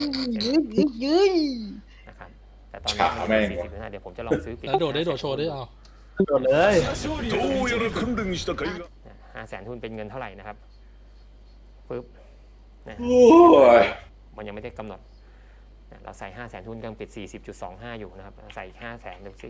ยื้ยนะครับแต่ตอนนี้ขาแม่ง 40.5เดี๋ยวผมจะลองซื้อปิดแล้วโดดได้โดดโชว์ได้เอาโดดเลยどうやら訓練した甲斐が 500,000ทุนเป็นเงินเท่าไหร่นะครับปึ๊บนะโอ้ยมันยังไม่ได้กำหนดเราใส่500,000ทุนกำลังปิด 40.25 อยู่นะครับใส่อีก500,000ดูสิ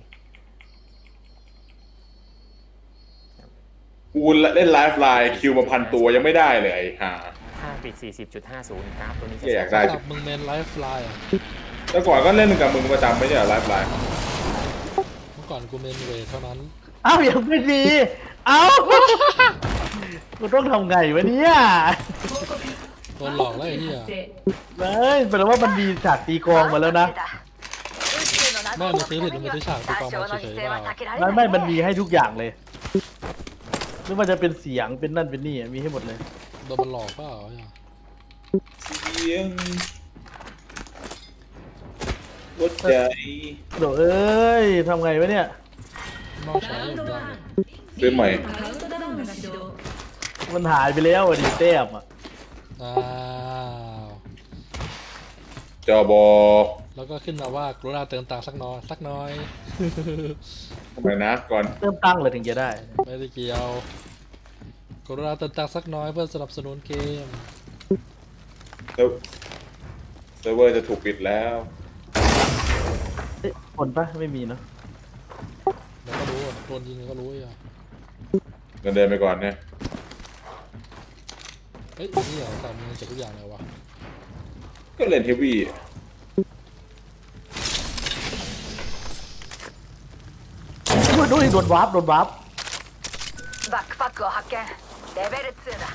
กูเล่นไลฟ์ไลน์คิวมา1,000 ตัวยังไม่ได้เลยไอ้ห่าถ้าปิด 40.50 กราฟตัวนี้จะอยากได้สำหรับมึงเมนไลฟ์ไลน์อ่ะแล้วก่อนก็เล่นกับมึงประจำไม่ใช่เหรอไลฟ์ไลน์เมื่อก่อนกูเมนเวทเท่านั้นเอ้ายังไม่ดีเอ้ากูต้องทำไงวะเนี่ยโดนหลอกแล้วไอ้เหี้ยเฮ้ยแปลว่ามันมีฉากตีกลองมาแล้วนะแม่มึงซื้อผิดมึงซื้อฉากตีกลองมาเฉยๆเปล่าไม่มันมีให้ทุกอย่างเลยไม่ว่าจะเป็นเสียงเป็นนั่นเป็นนี่มีให้หมดเลยโดนมันหลอกเปล่าไอ้เหี้ยเสียงหัวใจโดดเอ้ยทำไงวะเนี่ยนอกใช้อย่างยากเลยซื้อใหม่มันหายไปแล้วอะดิแต้มอ่ะอ้าวจอบอแล้วก็ขึ้นมาว่ากรุณาเติมตังค์สักน้อยทำไมนะก่อนเริ่มตั้งเลยถึงจะได้ไม่ได้เกี่ยวกรุณาเติมตังค์สักน้อยเพื่อสนับสนุนเกมเซิร์ฟเวอร์จะถูกปิดแล้วเอ๊ะคนปะไม่มีเนาะแล้วก็รู้อะโดนยิงก็รู้อ่ะเงินเดินไปก่อนเนี่ยเฮ้ยนี่เหรอแต่มึงเจ็บทุกอย่างเลยวะก็เล่นเฮฟวี่ดูดิโดนวาร์ปโดนวาร์ปバックパックを発見レベル2だ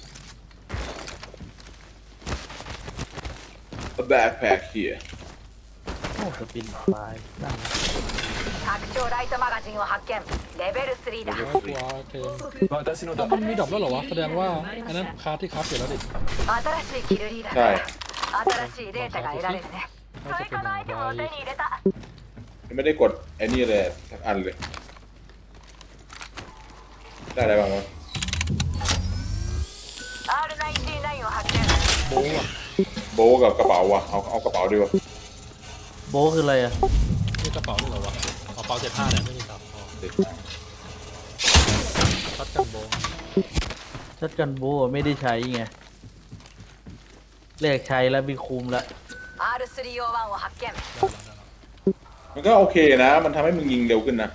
แบ็คแพคเฮียโอ้สปินตายนั่ง拡張ライトマガジンを発見レベル3だว้าวเทมมันมีดอกแล้วเหรอวะแสดงว่าอันนั้นคาร์ดที่คับอยู่แล้วดิ新しいキルリーダーใช่新しいデータが得られるね追加のアイテムを手に入れたไม่ได้กดไอ้นี่เลยสักอันเลย ได้อะไรบ้างวะ R99 を発見โบ้อะโบะกับกระเป๋าว่ะเอากระเป๋าดีกว่าโบคืออะไรอ่ะนี่กระเป๋าด้วยเหรอวะกระเป๋า75เนี่ยไม่มีตับอ๋อชัดกันโบ้ชัดกันโบไม่ได้ใช้ไงแลกใช้แล้วมีคุมแล้ว R301 を発見มันก็โอเคนะ มันทำให้มึงยิงเร็วขึ้นนะ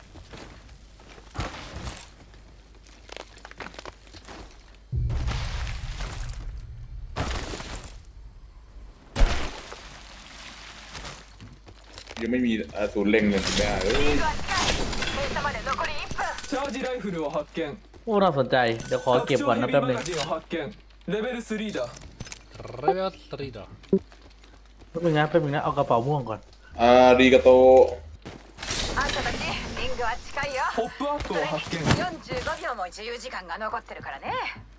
ยังไม่มีศูนย์เล็งเลยไม่ได้เอ้ยリングは近い閉鎖まで残り1分チャージライフルを発見โอ้น่าสนใจเดี๋ยวขอเก็บก่อนนะแป๊บหนึงマガジンを発見レベル3だเรเวล3ดอแป๊บหนึงนะแป๊บหนึงนะเอากระเป๋าม่วงก่อนรีกาโตあんたたちリングは近いよポップアップを発見 45秒も自由時間が残ってるからね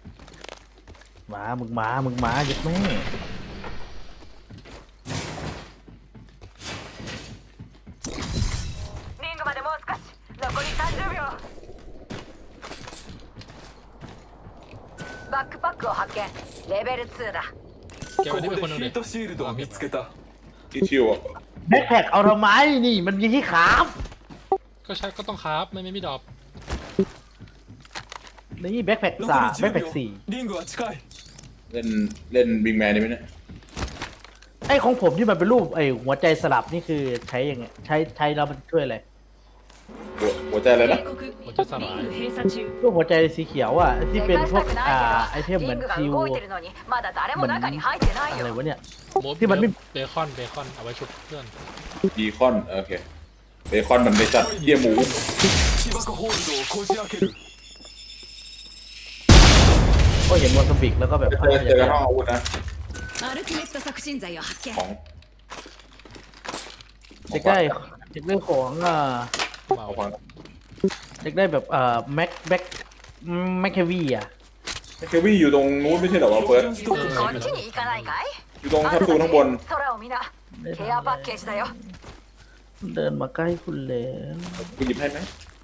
มึงมาหยุดแม่リングまでもう少し残り30秒バックパックを発見レベル2だเก็บこไว้こที่เป็นでคนหนึงヒดิートシールドを見つけたที่ชิวอะแบ็คแพ็คเอาทำไมนี่มันมีที่ขาบก็ใช้ก็ต้องคราฟไม่มีดอกนี่แบ็คแพ็ค残สามりแบ็คแพ็ค 10 สี่秒リングは近いเล่นบิงแมนได้ไหมเนี่ยไอ้ของผมที่มันเป็นรูปไอ้หัวใจสลับนี่คือใช้ยังไงใช้แล้วมันช่วยอะไรหัวใจอะไรนะมันจะสลายรูปหัวใจสีเขียวอ่ะที่เป็นพวกไอเทมเหมืリอนングがคิว動いてるのにまだ誰も中に入ってないอะไรよวะเนี่ยโมที่มันไม่เบคอนเอาไว้ชุบเพื่อนบีคอนโอเคเบคอนมันในสัตว์เยี่ยหมู起爆ホールドをこじ開けるก็เห็นวอลสปิกแล้วก็แบบเจอกันห้องอาวุธนะアルティメット促進剤を発見ของเด็กได้เด็กได้ของมาเอาฟังเด็กได้แบบแม็กเควีอ่ะเควี่อยู่ตรงนู้นไม่ใช่เหรอวะเฟิร์สストックこっちに行かないかいอยู่ตรงแคปซูลข้างบน空を見なケアパッケージだよเดินมาใกล้คุณแล้วกูหยิบให้ไหม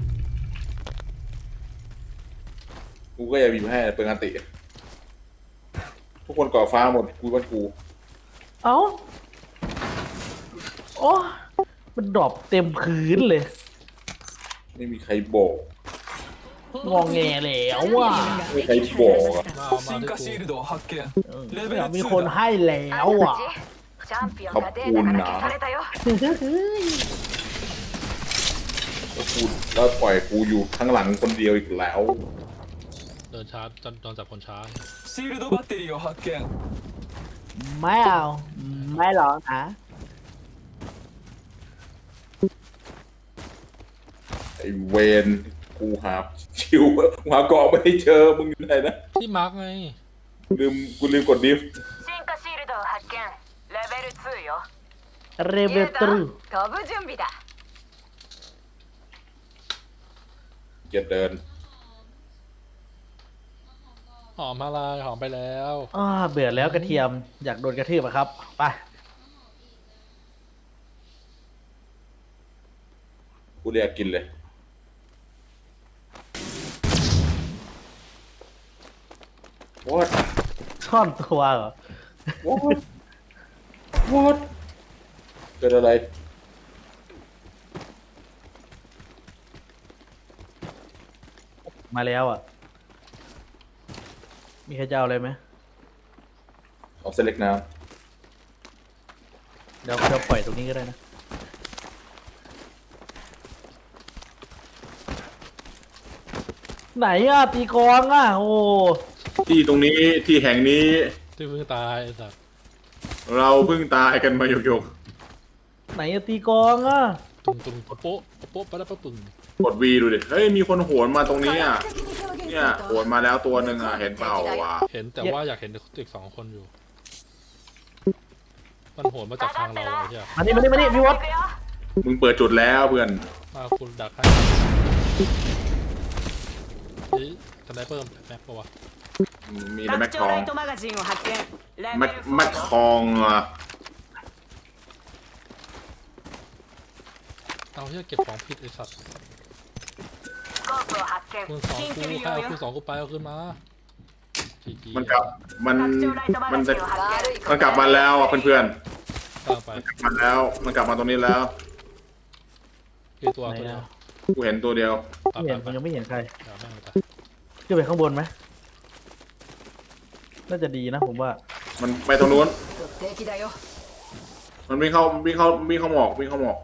กูก็อย่าหยิบให้เปิดงานติทุกคนก่อฟ้าหมดกูว่ากูเอ้าโอ้มันดรอปเต็มพื้นเลยไม่มีใครบอกงองแงแล้วว่ะไม่มีใครบอกอะ進化シールドを発見レベルมี 2 คนだให้แล้วอ่ะチャンピオンがデータから消されたよแล้วกูแล้วปล่อยกูอยู่ข้างหลังคนเดียวอีกแล้วเดินช้าโดนจับคนช้าシールドバッテリーを発見ไม่เอาไม่หรอกนะไอเวนกูหาชิวหาเกาะไม่เจอมึงอยู่ไหนนะที่มาร์กไงกูลืมกดดิฟ進化シールドを発見レベル2よเรเบตรู飛ぶ準備だเกียดเดินหอมอะไรหอมไปแล้วเบื่อแล้วกระเทียมอยากโดนกระทืบอะครับไปกูเรียกกินเลย What ซ่อนตัวเหรอ What เกิดอะไรมาแล้วอ่ะ มีใครจะเอาอะไรไหมเอาเซเล็กน้เดี๋ยวปล่อยตรงนี้ก็ได้นะ ไหนอ่ะ ตีกลองอ่ะ โอ้ำที่ตรงนี้ที่แห่งนี้ที่เพิ่งตายไอ้สัตว์เราเพิ่งตายกันมาหยกไหนอ่ะตีกลองอ่ะตุงโป๊ะโป๊ะไปแล้วปึ่งๆกดวีดูดิ เฮ้ย มีคนโหนมาตรงนี้อ่ะ เนี่ยโหนมาแล้วตัวหนึ่งอ่ะ เห็นเปล่าวะเห็นแต่ว่าอยากเห็นอีก2 คนอยู่ มันโหนมาจากทางเราเลยใช่ไหมมานี่พี่วอต行くよมึงเปิดจุดแล้วเพื่อนมาคุณดักให้นี่สไนเปอร์แม็กปะวะมีแต่แม็กทองマガジンを発見レแม็กทองอ่ะเอาเฮียเก็บของผิดไอ้สัตว์スコープを発見คูณ2 緊กู急利ให้用เอาよคูณ2กูไปเอาขึ้นมาจีจีมันกลับ มัน拡張ライトマมันガจะジンを発見มันกลับมาแล้วอ่ะเพื่อนกลางไปๆมันแล้ว มันกลับมาตรงนี้แล้วคือตัวไหนตัวเดียวอ่ะกูเห็นตัวเดียวตัดไม่เห็นไปมันยังไม่เห็นใครเดี๋ยวแม่งเลยขึ้นไปข้างบนไหม น่าจะดีนะผมว่ามันไปตรงนู้น敵だよมันวิ่งเข้าหมอกวิ่งเข้าหมอก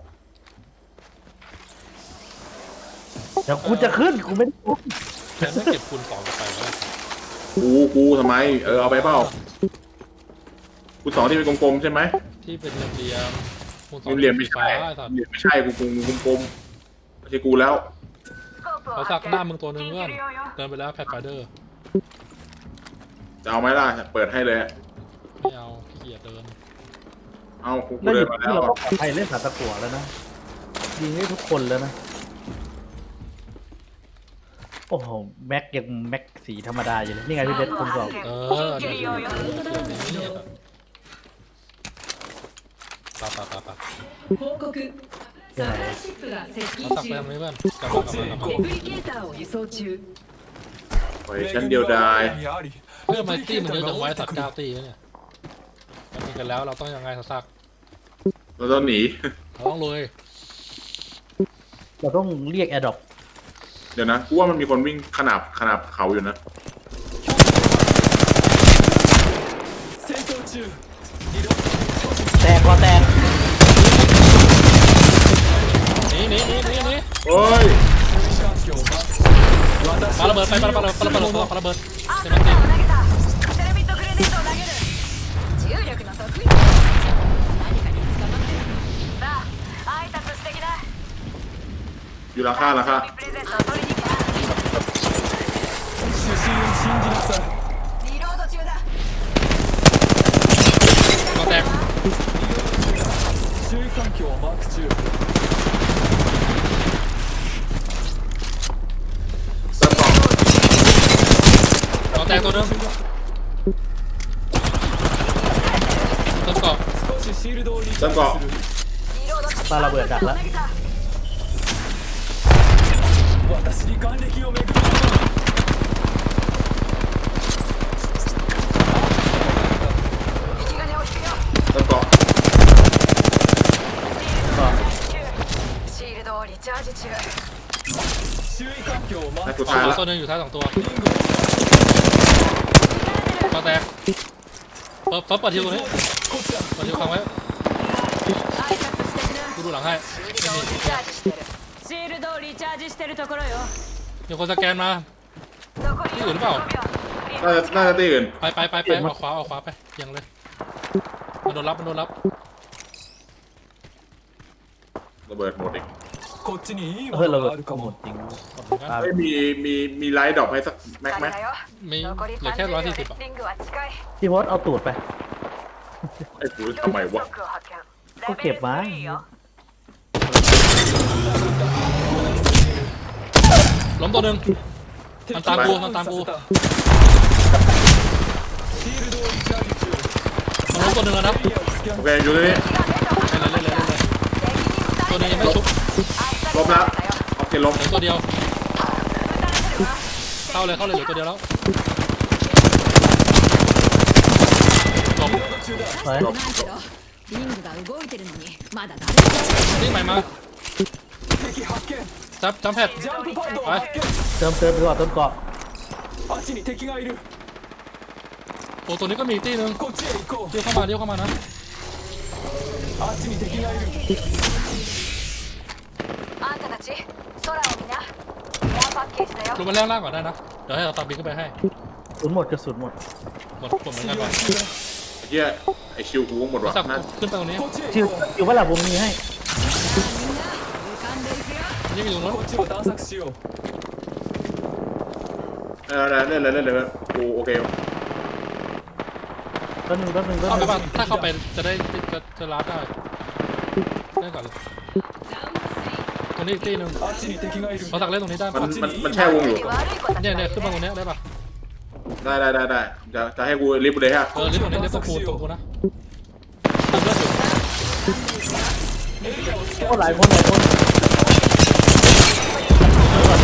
เดี๋ยวกูจะขึ้น กูไม่ได้ขึ้นแทนถ้าเก็บคูณ2ไปแล้วกูทำไม เอาไปเปล่ากูสองที่เป็นกลมๆใช่ไหมที่เป็นเหลี่ยมคูณ2 เหลี่ยมไม่ฟ้าใช่ไอ้สัตว์เหลี่ยมไม่ใช่กูกลมๆไม่ใช่กูแล้วスコープをเขาสัก発หน้า見มึงตัวนึง緊เพื่อน急利用よเดินไปแล้วแพดไฟเดอร์จะเอาไหมล่ะ เปิดให้เลยไม่เอาขี้เกียจเดินเอากูแล้วอเดิยู่นมาแล้ที่วเราก็ปลอดภัยเล่นสาตะกั่วแล้วนะ ยิงได้ทุกคนแล้วนะ โอ้โห แม็กยังแม็กสีธรรมดาอยู่เลย นี่ไงพี่เบสคุณสองเออเดี๋ยวตา報告サプライシップが接เรา近ตักไป中ทางนี้เพื่อนกลับมากลับมาレプリケーターを輸送中ปล่อยชั้นเดียวดายにありเพื่อมาตี้มันเยอะจังไว้สัตว์9 ตีแล้วเนี่ยมันมีกันแล้วเราต้องยังไงสักเราต้องหนีเราต้องเลยเราต้องเรียกแอร์ดรอปเดี๋ยวนะ กูว่ามันมีคนวิ่งขนาบเขาอยู่นะ戦闘中แตกก็แตกนี่โอ้ย環境を待つปาระเบิดไปปาระเบิดใช่ไหมアンตีカーを投げたセラミットグレネードを投げる重力の得意何かに捕まってるさあ挨拶してきなอยู่หลังคาプレゼントを取りに来た主審を信じなさいリロード中だก็แตก注意環境をマーク中เติมกล่องก็แตกตัวนึงต้นเกาะ少しシールドをリチャージするเติมเกาะリロードปาระเบิดดักแล้ว投げた私に眼力を巡る引き金を引くよเติมเกาะージ中周囲環境をマーให้クสุดท้ายแล้วตัวหนึงอยู่ท้าย2 ตัวก็แตกเปิดทิวตรงนี้เปิดทิวค้างไว้挨拶してきなกูดูหลังให้シールドをリチャージしてるシールドをリチャージしてるところよมีคนสแกนมา残り45秒น่าจะตีอื่นไปออกขวาไปยังเลยมันโดนรับระเบิดหมดอีกこっちにいいもเฮ้ยのเราがあるかหมもดจริงครับเฮ้ยมีไลท์ดรอปให้สักแม็กไหมだよมี残りเหลือแค่ 30秒 140 レอ่ะスリングは近いพี่พศเอาตูดไปไอ้กูทำไมวะショックを発見ก็เก็บมาレベル3よล้มตัวหนึ่งมันตามกูさせたシールドをリチャージ中มันล้มตัวหนึ่งแล้วนะエリアをスキャンโอเคอยู่ที่นี่เล่นตัวหนึงยังไม่ชุบล้มแล้วโอเคล้มเหลือตัวเดียวเข้าเลยเหลือตัวเดียวแล้วล้มไปないけどリングが動いてるのにまだ誰もนี่ใหม่มา敵発見จับแพดジャンプパッドを発見เติมไปก่อนต้นเกาะあっちに敵がいるโอ้ตัวนี้ก็มีอีกที่หนึงこっちへ行こうเลี้ยวเข้ามานะあっちに敵がいるあんたたち空を見なエアパッケージだよลงมาแรกล่างก่อนได้นะเดี๋ยวให้เราตามบินขึ้นไปให้กระสุนหมดกระสุนหมดหมดเหมือนกันว่ะเฮียไอชิวกูหมดวะสับนั่นขึ้นไปตรงนี้こっちへชิว行こうอยู่ว่าหลับผมมีให้浮かんでいくよนี่มีตรงนู้นこっちを探索しようเล่นเลยกูโอเคแป๊บนึงเข้าไปบ้างถ้าเข้าไปจะได้จะรับได้ก่อนเลยตรงนี้อีกที่หนึงあっちに敵がいるเราตักเล่นตรงนี้ได้มันปะมันแช่วงอยู่悪い子たちเนี่ยがいるขึ้นมาตรงนี้ได้ปะได้จะให้กูลิฟต์เลยฮะลิฟต์ตรงนี้ลิฟต์ตรงกูนะเติมเลือดอยู่โอ้หลายคนเดี๋ยวก่อนไหม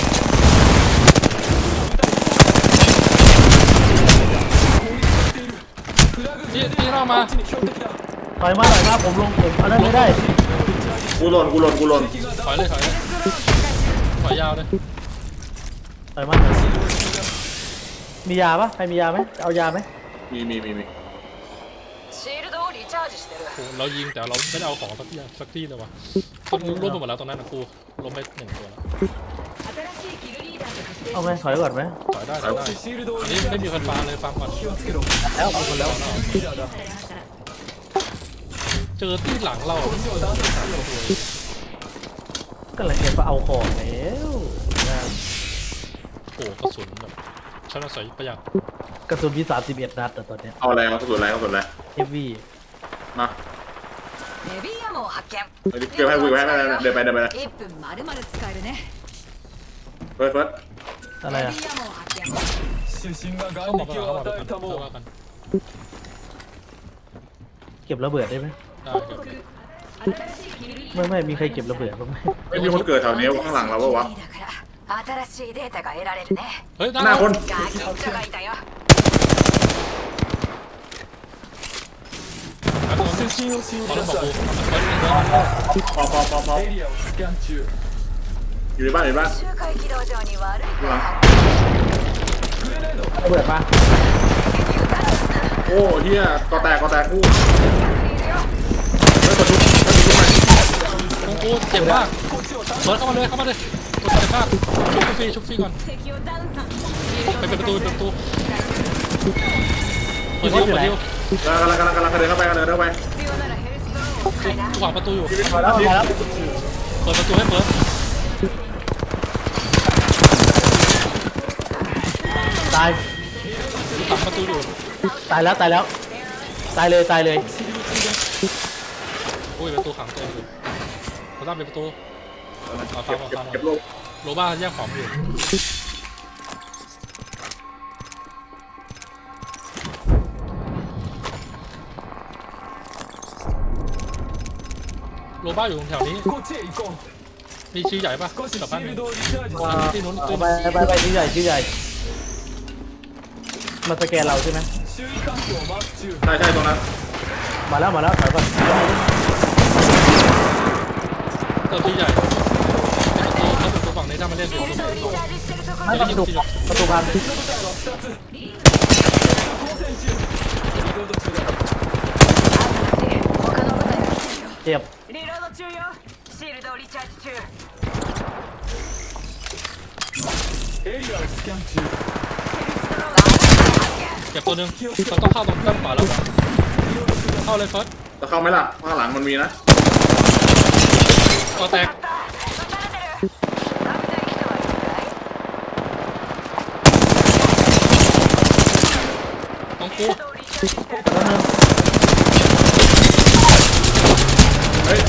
ที่เรามาถอยมาผมลงผมเอาได้ไม่ได้กูหล่นถอยเลยถอยยาวเลยถอยมามียาปะใครมียาไหมเอายาไหมมีシールドをリチャージしてるโอ้เรายิงแต่เราไม่ได้เอาของสักที่เลยวะคนร่วมไปหมดแล้วตรงนั้นนะกูล้มไป1 ตัวแล้ว新しいキルリーダーとしてเอาไหมถอยก่อนไหมถอยได้こっちシールドをอันリนี้チャーไม่ジมีคนฟาเลยฟาร์มก่อน気をつけろแล้วเอาคนแล้วリーダーだเจอที่หลังเราこっちを探索しようก็เลยจะไปเอาของแล้วโอ้กระสุนแบบชั้นอาศัยประหยัดกระสุนมี31 นัดแต่ตอนเนี้ยเอาอะไรกระสุนอะไรเฮฟวี่มาヘビーアモを発見เก็บให้กูให้เดินไป 1分まるまる使えるねเฟิร์สอะไรヘอะビーアモを発見主審がเข้า眼มา力を与えたもว่ากันเก็บระเบิดได้ไหมได้ครับ新しいキルリーไม่มีใครเก็บระเบิดบ้างไหมไม่มีคนเกิดแถวนี้ข้างหลังเราปะวะだから新しいデータが得られるねเฮ้ยหน้าคนガキンチョがいたよ主審を信พอじแล้วなบอกさกูพอいエリアをスキャン中อยู่ในบ้าน周回軌道上に悪い子ข้างหลังグレネードระเบิดมาโอ้เฮียก็แตกกูいるよเฮ้ยกดทุบกูเจ็บมากเบิร์ดเข้ามาเลยตัวเจ็บมากชุบฟรีก่อน敵をダウンさไปเปิดประตูเปิดดิวกำลังเดินเข้าไป必要ならヘルスドローンを使いなกูขวางประตูอยู่มาแล้วเปิดประตูให้เปิดตายกูขวางประตูอยู่ตายแล้วตายเลยอุ้ยประตูขังเต็มอยู่เขาตั้งเป็นประตูเอาฟังเก็บลูกโรบ้าแยกของอยู่โรบ้าอยู่ตรงแถวนี้こっちへ行こมีชื่อใหญ่ปะう少しกลับシบ้านーหルนึ่งドをリチャージที่นู้นที่ไปชื่อใหญ่มาสแกนเราใช่ไหม周囲環境をマーク中ใช่ตรงนั้นมาแล้วถอยก่อนเติมชื่อใหญ่ถ้ามาเล่นเดี๋ยวผมリチャージしてるところไม่ประตูประตูพัง部隊は2つ交戦中リロード中だ他の部隊が来てるよเจ็บリロード中よシールドをリチャージ中エリアをスキャン中เก็บตัวหนึงเราต้องเข้าตรงด้านขวาแล้วเข้าเลยเฟิร์สจะเข้าไหมล่ะข้างหลังมันมีนะตัวแตก撃たれてる危ない人はいるかいต้องกูシールドをリチャージしてるแล้วนึงเฮ้ย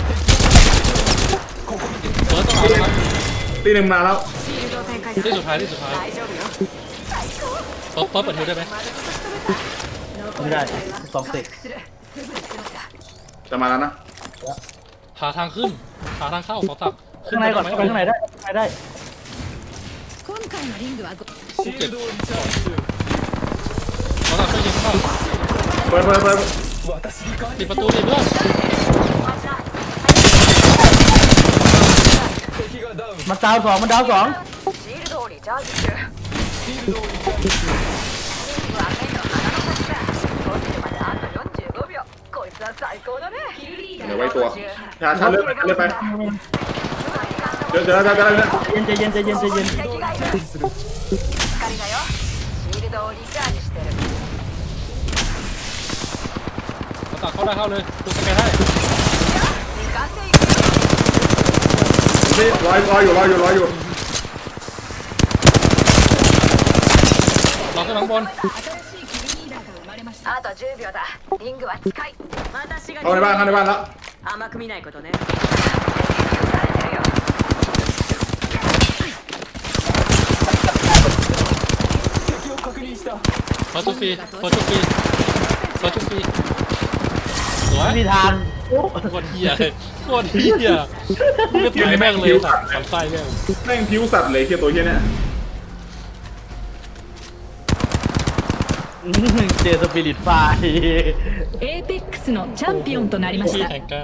เฟิร์สต้องเอาแล้วครับตีหนึ่งมาแล้วシールドを展開するที่สุดท้ายที่สุดท้าย大丈夫よเฟิร์สเปิดฮิวได้ไหมไม่ได้สองเตะするすぐに来ましたจะมาแล้วนะหาทางขึ้นหาทางเข้าขอตักข้างในก่อนเข้าไปข้างในได้ข้างในได้今回のリングはシールドをリチャージ中ขอตักช่วยยิงเข้าเปิด私に代わปิりดประตูดิเพื่อน敵がダウンมันดาวสองมันดาวสองシールドをリチャージ中シールドをリチャージ中は目の鼻の先だ落ちるまであと45秒こいつは最高だねเดี๋ยวไว้ตัวชาเลื่อนไปเดี๋ยวใจเย็นใจเย็นใจเย็นใจเย็น敵がいるする光だよシールドをリチャージしてるขอตักเข้าได้เข้าเลยดูสแกนให้時間でいくよนี่รออยู่เราขึ้นข้างบน新しいキルリーダーが生まれましたあと10秒だリングは近い私がเข้าในบ้านแล้ว甘く見ないことねされてるよ敵を確認したเฟิร์สชุกฟรีเฟิร์สชุกฟรีเฟิร์สชุกฟรีสวยไม่มีทางโอ้โคตรเหี้ยเลยโคตรเหี้ยมึงก็ต่อยแม่งเลยสัตว์สันไส้แม่งแม่งผิวสัตว์เลยเฮียตัวเฮียเนี่ยเจอสปิริตไฟエーペックスのチャンピオンとなりましที่たแข่งกัน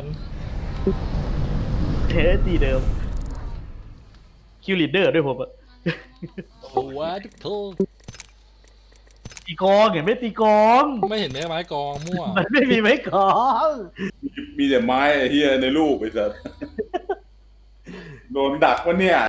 เฮ้ยตีเดิมคิวลีดเดอร์ด้วยผมอะโอ้ว้าทุกโทษตีกองเห็นไหมตีกองไม่เห็นไม้กองมั่วมันไม่มีไม้กองมีแต่ไม้ไอ้เฮียในรูปไอ้สัสโดนดักวะเนี่ย